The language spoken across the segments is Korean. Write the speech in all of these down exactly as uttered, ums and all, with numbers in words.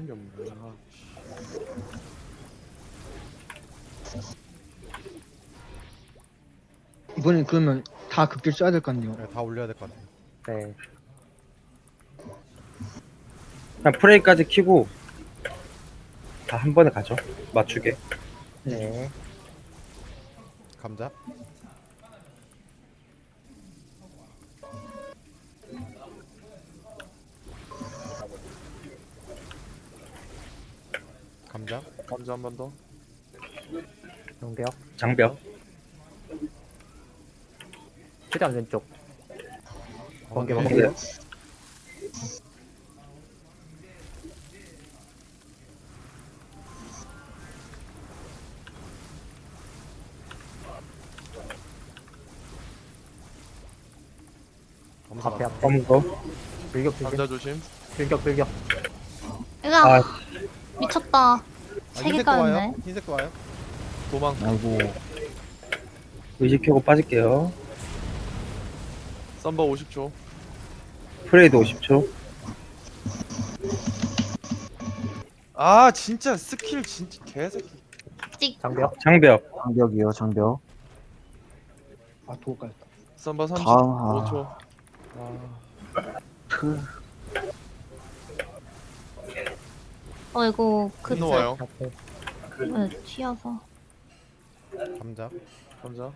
게 없네. 아, 이번엔 그러면 다 극딜 써야 될 것 같네요. 네, 다 올려야 될 것 같아요. 네. 그냥 프레이까지 키고 다 한 번에 가죠. 맞추게. 네. 감자. 감자. 감자 한 번 더. 용병. 장벽. 최대한 왼쪽. 번개 네. 번개. 검사. 앞에 앞에. 검은 거. 불격 불격. 감자 조심. 불격 불격. 으아 아, 미쳤다. 아, 세 흰색도 개가 와요. 있네. 흰색도 와요. 도망. 아이고 의식 켜고 빠질게요. 썸버 오십 초. 프레이도 오십 초. 아 진짜 스킬 진짜 개새끼. 찍. 장벽. 장벽. 장벽이요, 장벽. 아 도울 까였다. 썸버 삼십오 아. 초. 아, 크. 어이구 그 흰노 와요. 앞에. 네, 튀어서. 감자. 감자.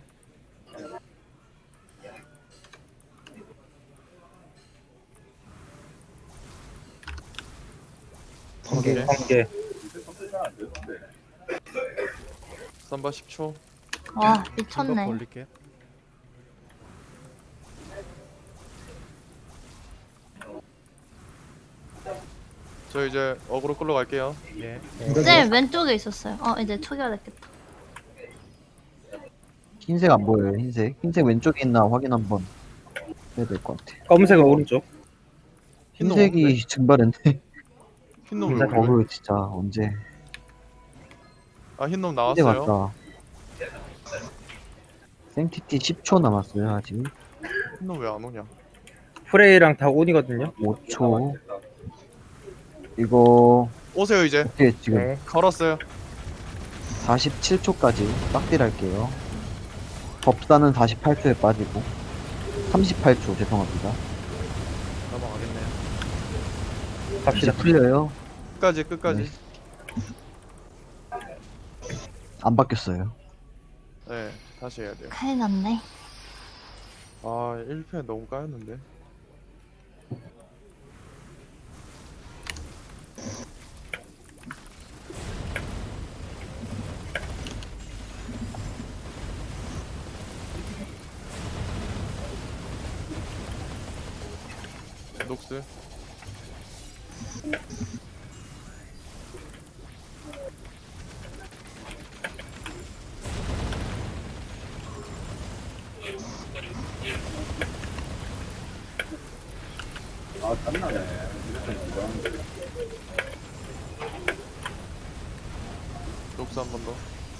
번개. 번개. 썸버 십 초. 와 감자 미쳤네. 올릴게요. 저 이제 어그로 끌러 갈게요. 예. 네 왼쪽에 있었어요. 어 이제 초기화됐겠다. 흰색 안 보여요, 흰색. 흰색 왼쪽에 있나 확인 한번 해야 될 것 같아. 검은색은 오른쪽. 흰놈 흰색이 증발했네. 흰놈 왜 감자 그래? 어우, 진짜, 언제. 아 흰놈 흰색 나왔어요. 왔다. 생티티 십 초 남았어요, 아직. 흰놈 왜 안 오냐? 프레이랑 다 온이거든요. 오 초. 이거, 오세요 이제. 어떻게 지금 네. 걸었어요. 사십칠 초까지 빡딜 할게요. 법사는 사십팔 초에 빠지고. 삼십팔 초, 죄송합니다. 넘어가겠네요. 이제 갑시다. 풀려요. 끝까지 끝까지. 안 바뀌었어요. 네, 다시 해야 돼요. 큰일 났네. 아 일 패 너무 까였는데. 녹스. 녹스 한 번 더.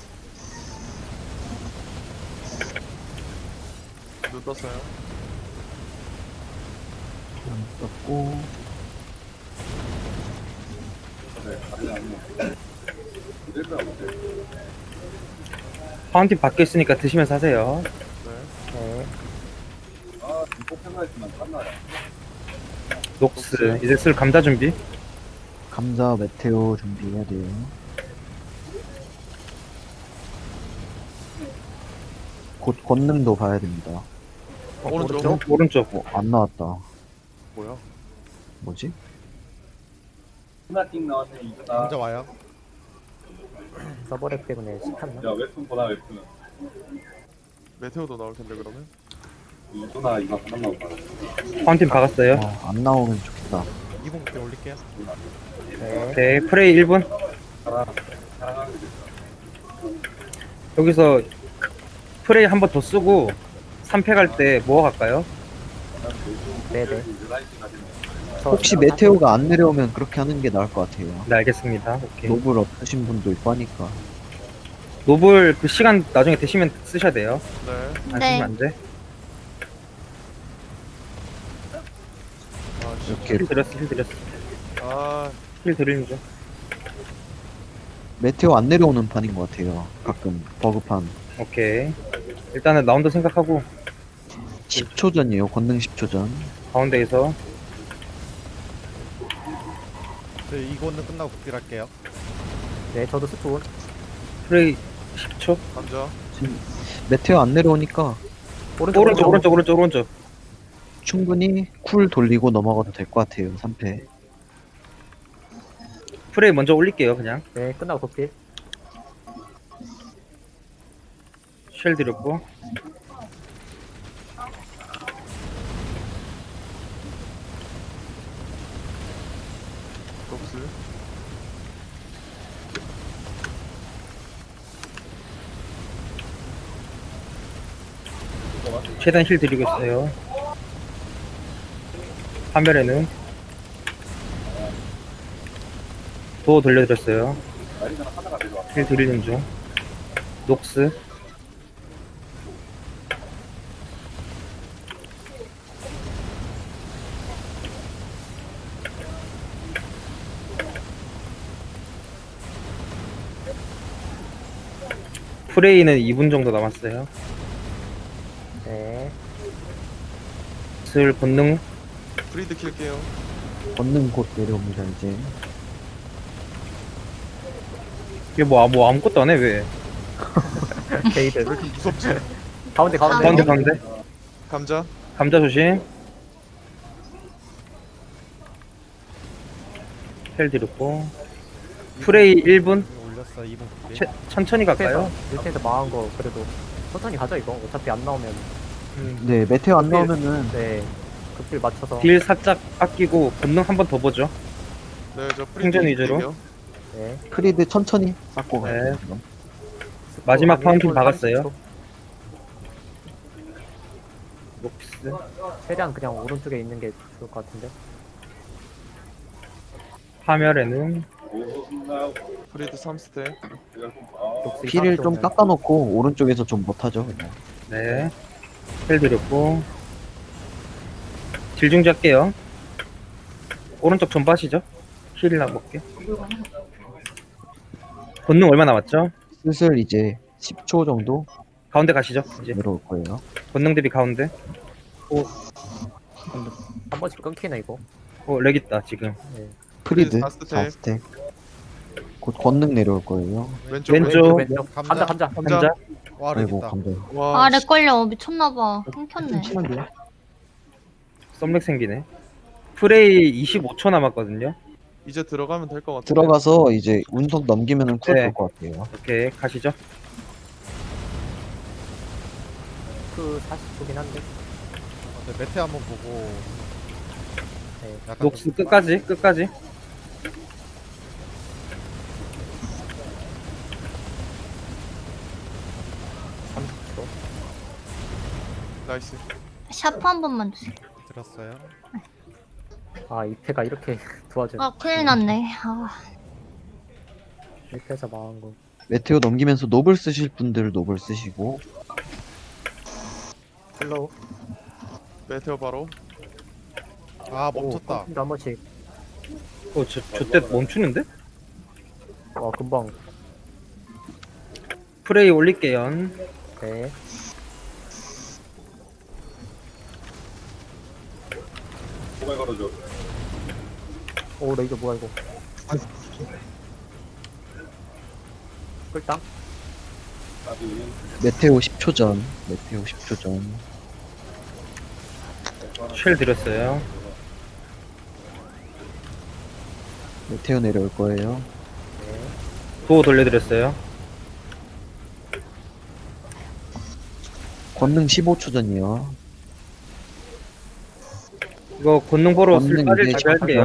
눈 떴어요. 안 썼고. 파운틴 밖에 있으니까 드시면서 하세요. 네. 네. 녹스. 이제 쓸 감자 준비. 감자 메테오 준비해야 돼요. 곧 권능도 봐야 됩니다. 오른쪽. 오른쪽. 어, 안 나왔다. 뭐야? 뭐지? 감자 와요. 서버렉 때문에 시켰나? 메테오도 나올 텐데 그러면. 파운틴 박았어요. 어, 안 나오면 좋겠다. 이분 때 올릴게요. 네. 오케이. 프레이 일 분. 여기서 프레이 한 번 더 쓰고 삼 패 갈 때 뭐 갈까요? 네네. 저 혹시 그냥 메테오가 안 내려오면 그렇게 하는 게 나을 것 같아요. 네, 알겠습니다. 오케이. 노블 없으신 분도 있고 하니까. 노블 그 시간 나중에 되시면 쓰셔야 돼요. 네. 안 네. 쓰면 안 돼. 아, 씨. 이렇게 힐 드렸어, 힐 드렸어. 아, 힐 드리는 중. 메테오 안 내려오는 판인 것 같아요. 가끔 버그판. 오케이. 일단은 라운드 생각하고 십 초 전이에요. 권능 십 초 전. 가운데에서 저 이거는 끝나고 극딜할게요. 네, 저도 스톤. 프레이 십 초. 감자. 지금 메테오 안 내려오니까 오른쪽, 오른쪽 오른쪽 오른쪽 오른쪽. 충분히 쿨 돌리고 넘어가도 될 것 같아요. 삼 패. 프레이 먼저 올릴게요. 그냥 네, 끝나고 극딜. 쉘 드렸고 녹스. 최대한 힐 드리고 있어요. 화면에는 도어 돌려드렸어요. 힐 드리는 중. 녹스 프레이는 이 분 정도 남았어요. 네. 슬 본능 프리드 킬게요. 권능 곧 내려옵니다. 이제. 이게 뭐, 아- 뭐 아무것도 안 해 왜? 게이드. 왜 이렇게 무섭지? 가운데, 가운데. 가운데 가운데 감자. 감자 조심. 헬 드렸고 프레이 일 분 이거 올렸어. 이 분 극딜. 채, 천천히 갈까요? 이렇게 해서 망한 거, 그래도. 천천히 가죠, 이거. 어차피 안 나오면. 네, 메테오 안 오케이. 나오면은 네. 극딜 맞춰서. 딜 살짝 아끼고 본능 한 번 더 보죠. 네, 저 프리드 생존 위주로. 킬게요. 네. 프리드 천천히 쌓고 네. 가요. 지금. 마지막 스톤 파운틴 일 분 박았어요. 삼십 초. 녹스 최대한 그냥 오른쪽에 있는 게 좋을 것 같은데. 파멸에는 프리드 삼 스택. 녹스 피를 이상한 좀 쪽은 깎아놓고 오른쪽에서 좀 못하죠. 그냥. 네. 헬 드렸고 딜 중지 할게요. 오른쪽 좀 빠시죠. 힐이나 먹게. 본능 얼마 남았죠? 슬슬 이제 십 초 정도 가운데 가시죠. 이제 내려올 거예요. 본능 대비 가운데. 한 번씩 끊기네, 이거. 어, 렉 있다 지금. 네. 프리드 사 스택. 사 스택. 곧 권능 내려올 거예요. 왼쪽. 왼쪽. 왼쪽, 왼쪽. 감자. 감자, 감자. 감자. 감자. 와, 렉 아이고 있다. 감자. 와. 아, 렉 걸려. 미쳤나봐. 끊겼네. 심한데요? 썸렉 생기네. 프레이 이십오 초 남았거든요. 이제 들어가면 될 것 같아. 들어가서 이제 운석 넘기면은 쿨 네. 될 것 같아요. 오케이 가시죠. 그 사십 초긴 한데. 네, 메테 한번 보고. 네. 약간 녹스 좀- 끝까지 끝까지. 삼십 초. 나이스. 샤프 한 번만 주세요. 들었어요. 아, 이 패가 이렇게 도와줘. 아, 큰일 났네. 아, 일 패에서 망한 거. 메테오 넘기면서 노블 쓰실 분들 노블 쓰시고 슬로우. 메테오 바로. 아, 멈췄다. 한 번씩. 어, 저, 저때 멈추는데? 와, 금방. 프레이 올릴게요. 네. 오, 레이저 뭐야, 이거. 끌당? 메테오 십 초 전. 메테오 십 초 전. 쉘 드렸어요. 메테오 내려올 거예요. 네. 도어 돌려드렸어요. 권능 십오 초 전이요. 이거 권능 보러 쓸 권능 빠질 이제 준비 할게요.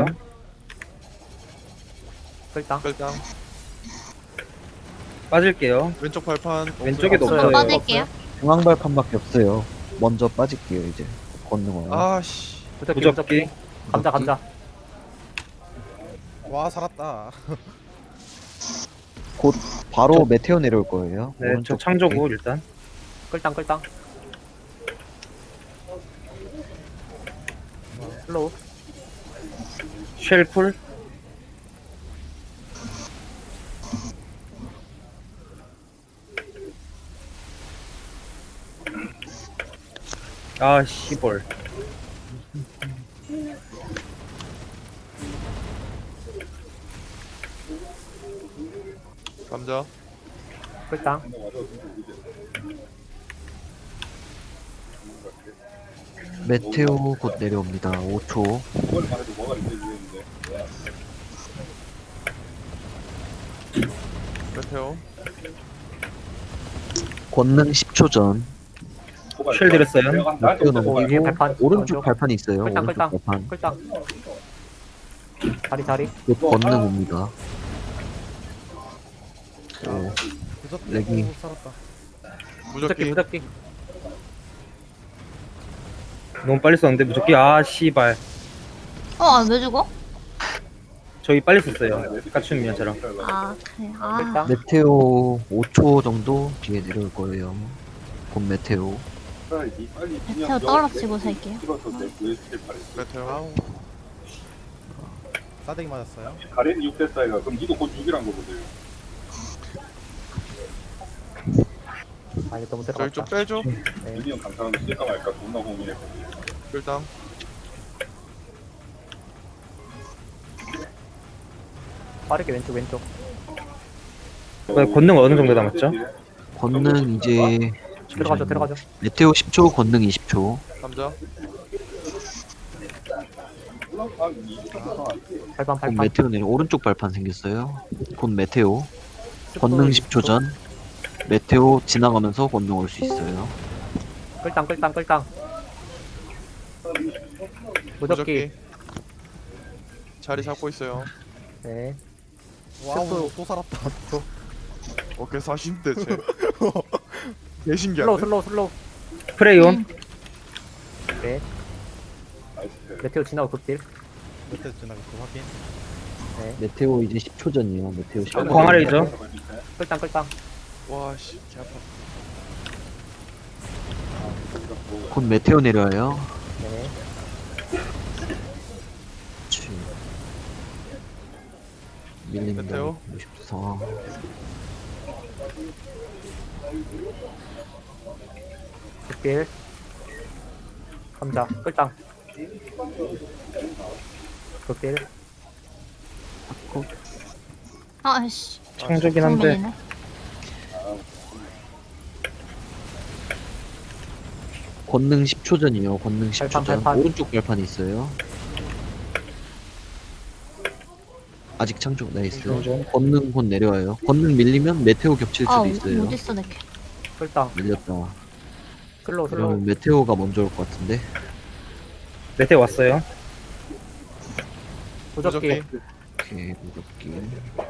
끌당? 끌당. 빠질게요. 왼쪽 발판. 왼쪽에도 없어요. 없어요. 한번 빠질게요. 중앙 발판밖에 없어요. 먼저 빠질게요 이제. 권능 와요. 아씨. 무적기, 무적기. 무적기. 감자, 감자. 와, 살았다. 곧 바로 메테오 내려올 거예요. 네, 저 오른쪽 창조고 일단. 끌당, 끌당. 슬로우. 쉘 쿨. 아 씨벌. 감자. 끌당. 메테오 곧 내려옵니다. 오 초. 메테오. 권능 십 초 전. 쉘 드렸어요. 메테오 오, 위에 넘기고 발판. 오른쪽 발판이 있어요. 끌당, 오른쪽 끌당. 발판. 끌당. 자리, 자리. 곧 권능 옵니다. 오, 무적 렉이. 오, 살았다. 무적기, 무적기. 무적기. 너무 빨리 썼는데 무조건 아 씨발. 어, 아, 왜 죽어? 저희 빨리 썼어요. 까춘 미안처럼. 아, 그래. 아, 끌당. 메테오 오 초 정도 뒤에 내려올 거예요. 곧 메테오. 메테오 떨어지고 살게요. 메테오. 아우. 싸대기 맞았어요. 가렌이 육 대 사이가 그럼 니도 곧 육이란 거거든. 아, 이거 너무 저희 들어갔다. 좀 빼줘. 네. 민이 형 감사하는데 쓸까 말까 존나 고민했거든. 일단. 빠르게 왼쪽, 왼쪽. 어, 권능 어느 정도 남았죠? 권능 이제 들어가죠, 들어가죠. 메테오 십 초, 권능 이십 초. 감자. 발판, 곧 발판. 메테오 내려 오른쪽 발판 생겼어요. 곧 메테오. 권능 십 초 전. 메테오 지나가면서 권능 올 수 있어요. 끌당, 끌당, 끌당. 무적기. 무적기. 자리 잡고 있어요. 네. 와우 또 살았다. 오케이 사십 대 쟤. 개 슬로우, 신기한데. 슬로우, 슬로우. 프레이온. 네. 메테오 지나고 극딜. 밑에 지나가 그 확인. 메테오 이제 십 초 전이요. 메테오 십 초. 어, 광활이죠. 끌당, 끌당. 와씨 개 아파. 곧 메테오 내려와요. 네. 치. 밀린다. 메테오. 오십사. 극딜. 감자, 끌당. 극딜. 아이씨. 창조긴 한데. 정민이네. 권능 십 초 전이요. 권능 십 초 발판, 전. 발판. 오른쪽 발판이 있어요. 아직 창조 나이스. 권능 곧 내려와요. 권능 밀리면 메테오 겹칠 아, 수도 있어요. 어딨어, 내 개. 끌당. 밀렸다. 슬로우, 슬로우. 그러면 메테오가 먼저 올 것 같은데. 메테오 왔어요. 무적기. 무적기. 오케이, 무섭기.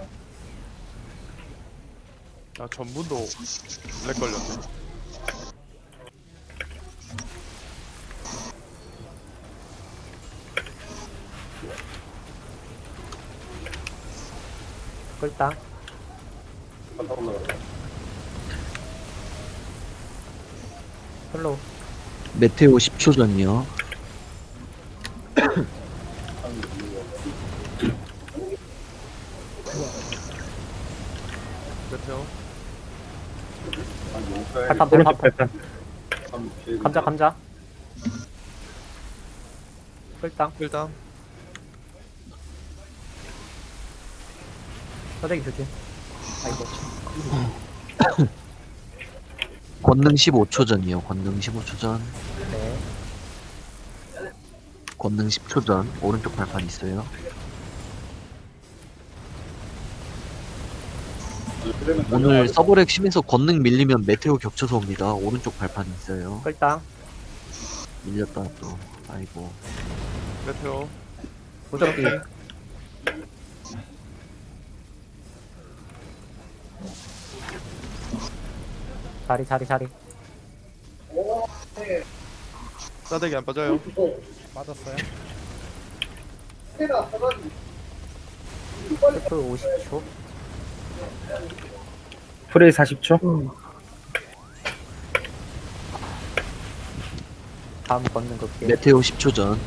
아 전문도 렉 걸렸네. 끌당. 슬로우. 메테오 십 초 전이요. 메테오. 발판, 오른쪽 발판. 발판. 감자, 감자. 끌당. 일단. 싸대기 조심. 아이고. 권능 십오 초 전이요. 권능 십오 초 전. 네. 권능 십 초 전. 오른쪽 발판 있어요. 오늘 서브렉 심해서 권능 밀리면 메테오 겹쳐서 옵니다. 오른쪽 발판 있어요. 끌당. 밀렸다 또. 아이고. 메테오. 무적기. 자리, 자리, 자리. 싸대기 안 빠져요. 맞았어요. 스프 오십 초. 프레이 사십 초. 다음 걷는 극딜. 메테오 십 초 전.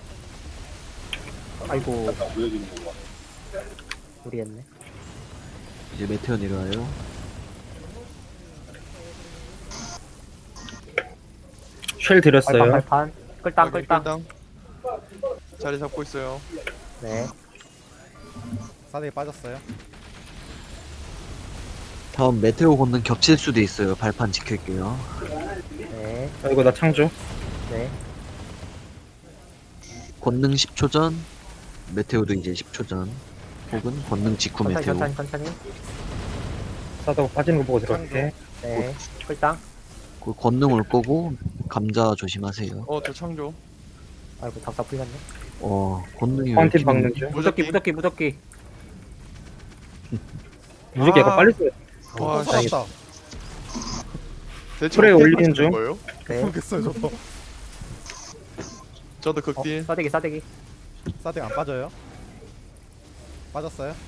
아이고, 보여지는 거 봐. 무리했네. 이제 메테오 내려와요. 쉘 드렸어요. 발판, 발판. 끌당, 확인, 끌당. 끌당. 자리 잡고 있어요. 네. 싸대기 빠졌어요. 다음 메테오 권능 겹칠 수도 있어요. 발판 지킬게요. 네. 아이고 나 창조. 네. 권능 십 초 전, 메테오도 이제 십 초 전. 혹은 권능 직후 천천히, 메테오. 천천히, 천천히. 싸다고 빠지는 거 보고 들어갈게. 네. 끌당. 그 권능 올 거고 감자 조심하세요. 어, 저 창조. 아이고, 답답 풀렸네. 어, 권능이 왜 파운틴 이렇게 박는 중. 무적기, 무적기, 무적기. 무조건 약간 아. 빨리 써요. 와, 또 씨. 살았다. 대체 프레이 어떻게 올리는 맞추는 중. 거예요? 네. 모르겠어요 저도. 저도 어, 극딜. 싸대기, 싸대기. 싸대기 안 빠져요. 빠졌어요.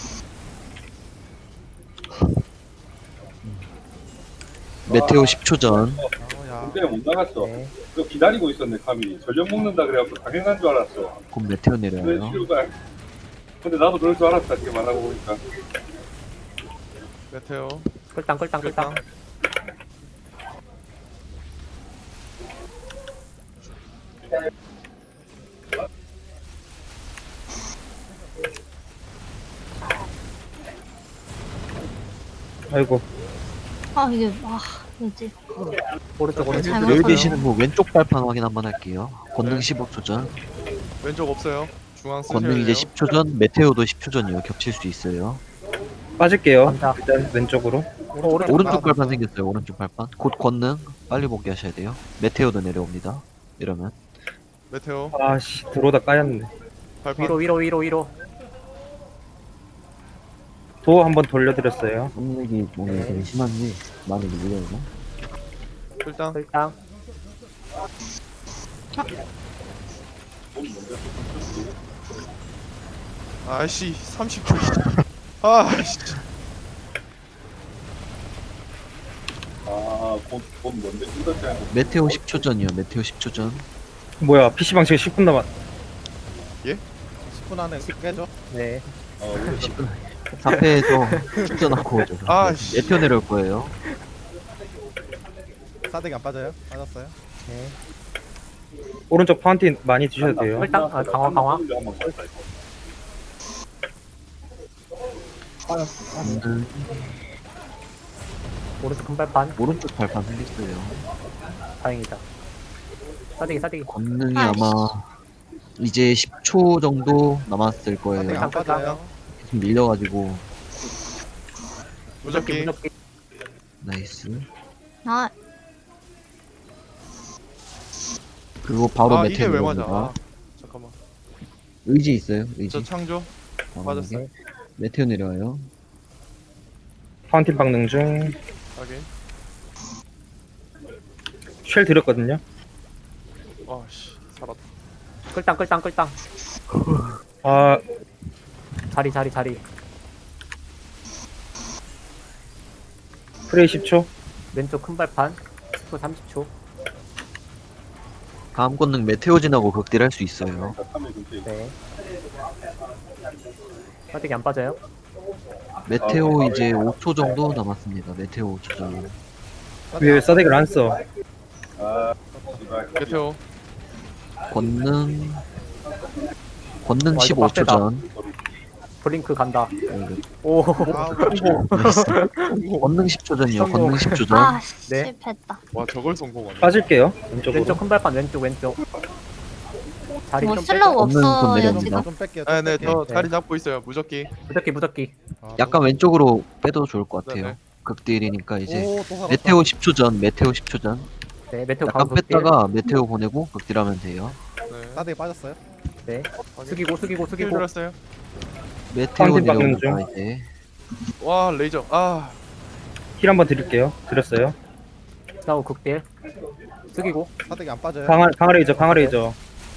메테오 십 초 전. 아야. 그때 못 나갔어. 네. 그거 기다리고 있었네, 카밀이. 전력 먹는다 그래갖고 당연한 줄 알았어. 곧 메테오 왜 내려요. 치료가. 근데 나도 그럴 줄 알았다, 이렇게 말하고 보니까. 메테오. 끌당, 끌당, 끌당. 끌당. 아이고 아 이게 와 뭐지? 오른쪽, 오른쪽. 잘못 여기 봤어요. 계시는 분 왼쪽 발판 확인 한번 할게요. 권능 십오 초 전. 왼쪽 없어요. 중앙 쓰셔야 권능 이제 돼요. 십 초 전, 메테오도 십 초 전이요. 겹칠 수 있어요. 빠질게요. 감자. 일단 왼쪽으로. 오른쪽, 오른쪽 발판 생겼어요. 오른쪽 발판. 곧 권능 빨리 복귀하셔야 돼요. 메테오도 내려옵니다. 이러면 메테오. 아씨 들어오다 까였네. 발판. 위로, 위로, 위로, 위로. 도 한번 돌려드렸어요. 썸렉이 오늘 되게 심한지 많이 밀려요. 끌당. 끌당. 아씨, 삼십 초. 아씨. 아, 곧, 곧 뭔데? 꿀떡지 않고. 메테오 십 초 전이요. 메테오 십 초 전. 뭐야 피시방 지금 십 분 남았. 십 분 안에 깨죠. 네. 어, 우리 십 분. 사 패에서 축전하고 오죠. 아, 씨. 메테오 내려올 거예요. 싸대기 안 빠져요. 빠졌어요. 네. 오른쪽 파운틴 많이 드셔도 돼요. 끌당. 아, 강화, 강화. 한번 걸었다, 이거. 권능 오른쪽 큰 발판. 오른쪽 발판 생겼어요. 다행이다. 싸대기, 싸대기. 권능이 아이씨. 아마 이제 십 초 정도 남았을 싸대기 거예요. 안 빠져요. 계속 밀려가지고 무적기, 무적기. 무적기. 나이스. 아 그리고 바로 아, 이게 메테오 왜 맞아? 내려옵니다. 아, 잠깐만. 의지 있어요. 의지. 저 창조. 과감하게. 맞았어요. 메테오 내려와요. 파운틴 박는 중. 확인. 쉘 드렸거든요. 아씨, 살았다. 끌당, 끌당, 끌당. 아 자리, 자리, 자리. 프레이 십 초. 왼쪽 큰 발판. 십 초, 삼십 초. 다음 권능 메테오 지나고 극딜 할 수 있어요. 카밀 근처에 있어. 네. 싸대기 안 빠져요. 메테오 이제 오 초 정도 남았습니다. 메테오 오 초 정도. 왜 싸대기를 안 써? 아, 씨발. 메테오. 권능 권능 와, 이거 십오 초 빡세다. 전. 블링크 간다. 어, 오. 아, 나이스. 권능 십 초 전이요. 성공. 권능 십 초 전. 아 네. 실패했다. 와, 저걸 성공하네. 빠질게요. 왼쪽으로. 왼쪽 큰 발판, 왼쪽, 왼쪽. 자리 뭐 좀 슬로우 빼죠. 없는 돈 없어요 내려옵니다. 지금. 좀 뺄게요. 아, 네, 저 네. 자리 잡고 있어요. 무적기. 무적기, 무적기. 아, 약간 왼쪽으로 빼도 좋을 것 같아요. 네네. 극딜이니까 이제 오, 또 살았다. 메테오 십 초 전. 메테오 십 초 전. 네, 메테오 약간 가운데 뺐다가 메테오 보내고 극딜하면 돼요. 네. 싸대기 빠졌어요. 네. 확인. 숙이고, 숙이고, 힐 숙이고. 들었어요. 메테오 파운틴 박는 내려옵니다 이제. 와, 레이저. 아, 힐 한번 드릴게요. 드렸어요. 싸우 극딜. 숙이고. 싸대기 안 빠져요. 강화 강화레이저 강화레이저.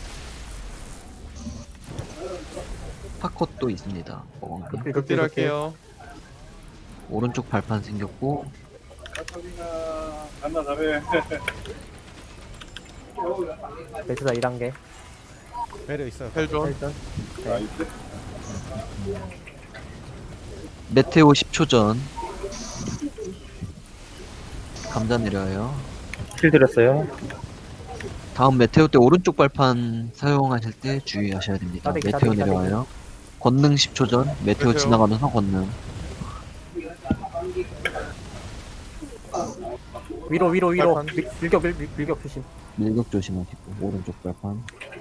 파컷도 있습니다. 어, 극딜, 극딜, 극딜 극딜. 할게요. 오른쪽 발판 생겼고 카밀아, 간다, 자네. 베스다 일 단계. 배려 있어요. 헬존. 헬전. 나이스. 메테오 십 초 전. 감자 내려와요. 힐 드렸어요. 다음 메테오 때 오른쪽 발판 사용하실 때 주의하셔야 됩니다. 싸대기, 메테오 싸대기, 내려와요. 권능 십 초 전 메테오 메테오. 지나가면서 권능. 위로 위로 위로 발판. 밀, 밀격 밀, 밀- 밀격 조심. 밀격 조심하시고 오른쪽 발판.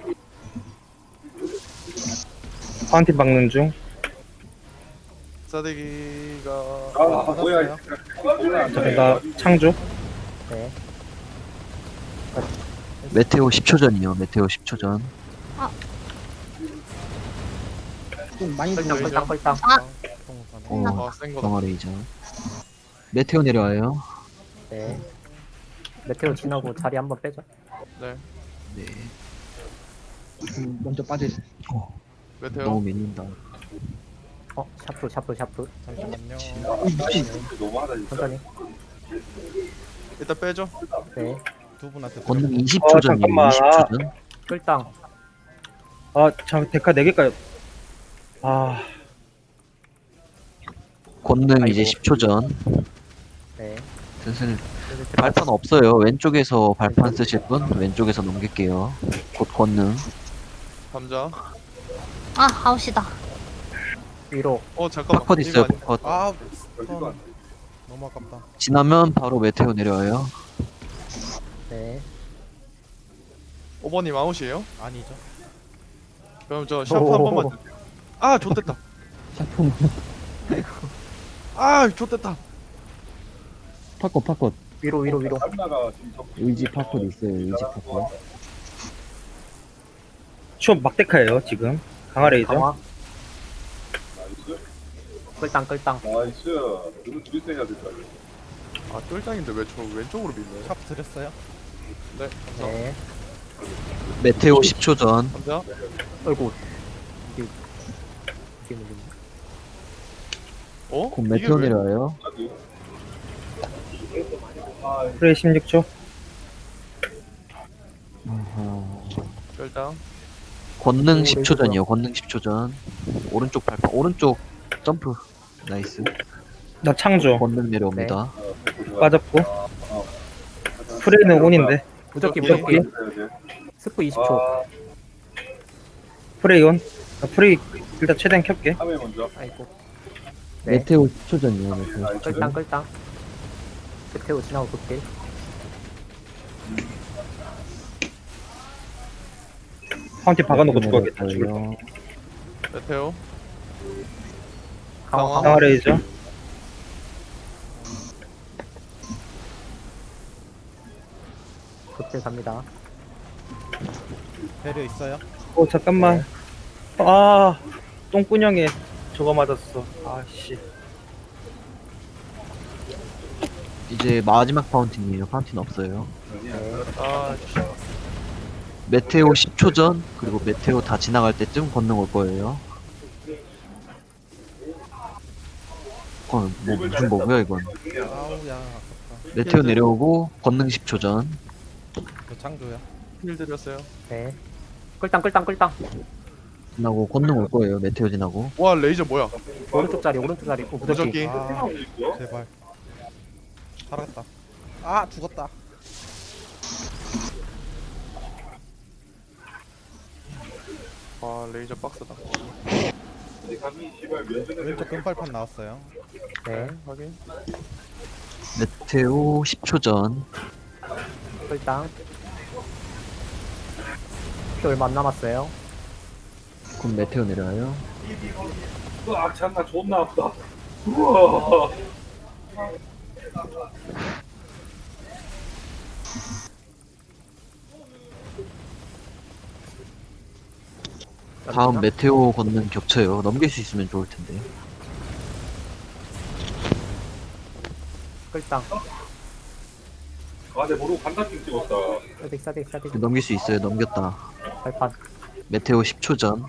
파운틴 박는 중. 싸대기가 아 뭐야 자, 내가 창조. 네. 메테오 십 초 전이요. 메테오 십 초 전. 좀 많이 끌당 들어요. 끌당 끌당. 통선. 어, 아, 센 거다. 강화레이저. 메테오 내려와요. 네. 메테오 지나고 자리 한번 빼죠. 네. 네. 음, 먼저 빠져있어. 메테오. 너무 밀린다. 어 샤프 샤프 샤프. 잠시만요. 너무하다 진짜. 천천히. 일단 빼죠. 네. 두 분한테 권능 드렸고. 이십 어, 초 전이에요. 잠깐만. 이십 초 전. 끌당. 아, 참 데카 네 개까지. 아, 권능 이제 아이고. 십 초 전. 네. 슬슬 슬슬 들어가- 발판 없어요. 왼쪽에서 발판 쓰실 분 왼쪽에서 넘길게요. 곧 권능. 감자. 아 아웃이다. 위로. 어 잠깐만. 팝컷 이거 있어요. 아니야? 팝컷. 아, 별거 스턴. 안 돼. 너무 아깝다. 지나면 바로 메테오 내려와요. 네. 오 번님 아웃이에요? 아니죠. 그럼 저 샤프 한 번만 주세요. 아 좋댔다. 샤프 아 좋댔다. 팝컷 팝컷. 위로 위로 위로. 한나가 지금 저 의지 팝컷 있어요. 의지 팝컷. 추업 막데카예요 지금. 강화레이저. 강화. 나이스 끌당 끌당. 나이스 이거 둘이서 해야 될거 아니야. 아 똘짱인데 왜 저 왼쪽으로 밀려요? 샤프 드렸어요. 네. 감자. 네. 메테오 십 초 전. 감자. 어이구. 이게 이게 밀리네. 어? 곧 이게 메테오 왜? 내려와요. 프레이 십육 초. 아하. 일단 권능 오, 십 초 레이저다. 전이요. 권능 십 초 전. 오른쪽 발판. 오른쪽 점프. 나이스. 나 창조. 권능 내려옵니다. 빠졌고. 프레이는 온인데. 무적기 무적기. 무적기. 스프 이십 초. 아 프레이 온. 나 프레이 일단 최대한 켤게. 카메 먼저. 아이고. 네. 메테오 십 초 전이요. 메테오 십 초 끌당 전. 끌당. 메테오 지나고 극딜. 파운틴 박아놓고 죽어야겠다. 죽을 거. 내려와요. 메테오. 강화 강화. 강화. 강화레이저. 극딜 갑니다. 배려 있어요. 어 잠깐만. 아, 똥꾸녕에 저거 맞았어. 아씨. 이제 마지막 파운틴이에요. 파운틴 없어요. 아 씨. 메테오 십 초 전. 그리고 메테오 다 지나갈 때쯤 권능 올 거예요. 어, 뭐 무슨 버그야 이건. 아우야 아깝다. 메테오 내려오고 권능 십 초 전. 저 창조야. 힐 드렸어요. 네. 끌당 끌당 끌당. 지나고 권능 올 거예요. 메테오 지나고. 와 레이저 뭐야? 오른쪽 자리 오른쪽 자리. 오, 무적기. 무적기. 아, 제발. 살았다. 아, 죽었다. 아 레이저 박스다. 감이 씨발 면전에 왼쪽 금발판 나왔어요. 네. 확인. 메테오 십 초 전. 끌당. 피 얼마 안 남았어요. 곧 메테오 내려와요. 아 참나 존나 아프다. 우와. 다음 메테오 권능 겹쳐요. 넘길 수 있으면 좋을 텐데. 끌당. 아내 모르고 간다핑 찍었다. 싸딕 싸딕 싸딕. 넘길 수 있어요. 넘겼다. 발판. 메테오 십 초 전.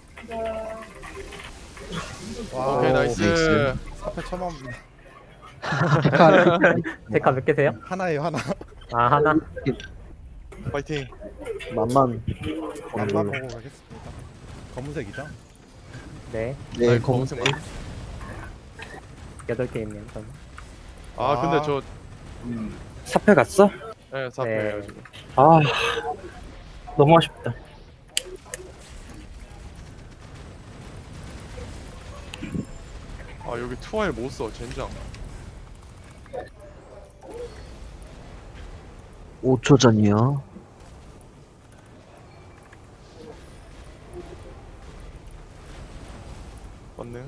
와, 오케이 오, 나이스. 나이스. 사패 처음 데카 몇 개세요? 하나예요, 하나. 아 하나. 파이팅. 만만. 한번 보고 가겠습니다. 검은색이죠? 네. 네, 아이, 검은색. 검은색 여덟 개 있네요. 저는. 아 근데 아. 저 음. 사패 갔어? 예, 사패예요 네. 지금. 아, 너무 아쉽다. 아 여기 투아일 못써 젠장. 오 초 전이요. 권능.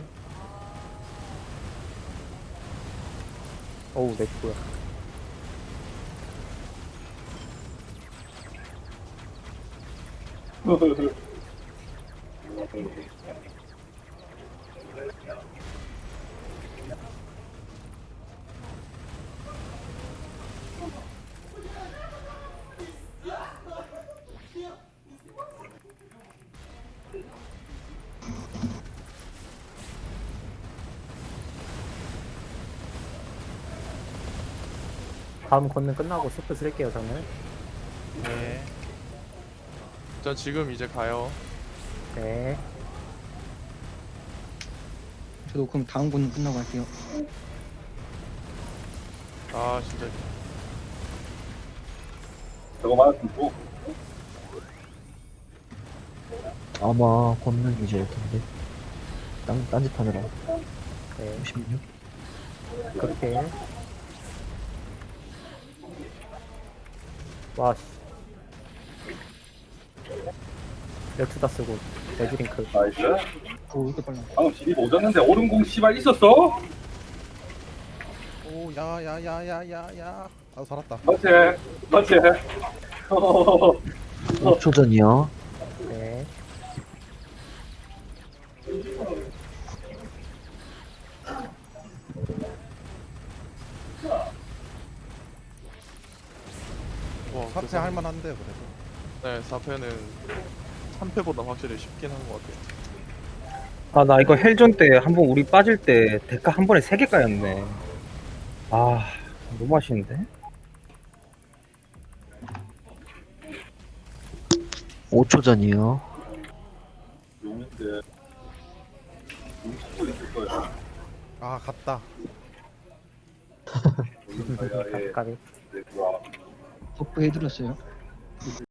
어우 내 뭐야. 다음 건능 끝나고 스프 쓸게요 저는. 네. 저 지금 이제 가요. 네. 저도 그럼 다음 분 끝나고 할게요. 아 진짜. 저거 맞았으면 또 아마 권능이실 텐데. 딴, 딴짓 하느라. 네. 오십육. 그렇게. 와 씨. 열투다 쓰고 레드링크. 나이스. 오, 이렇게 빨라. 방금 진입 오졌는데 오른공 씨발 있었어? 오, 야, 야, 야, 야, 야, 야. 아, 살았다. 맞지? 맞지? 오 초 전이요. 네. 와, 사패 그래서- 할만한데 그래도. 네, 사 패는 삼 패보다 확실히 쉽긴 한 것 같아요. 아, 나 이거 헬존 때 한 번 우리 빠질 때 데카 한 번에 세 개 까였네. 아, 너무 아쉬운데? 오 초 전이요. 용인데 용식도 있을 거야. 아, 갔다. 용인 가야에 까비. 네, 뭐야. 버프 해드렸어요.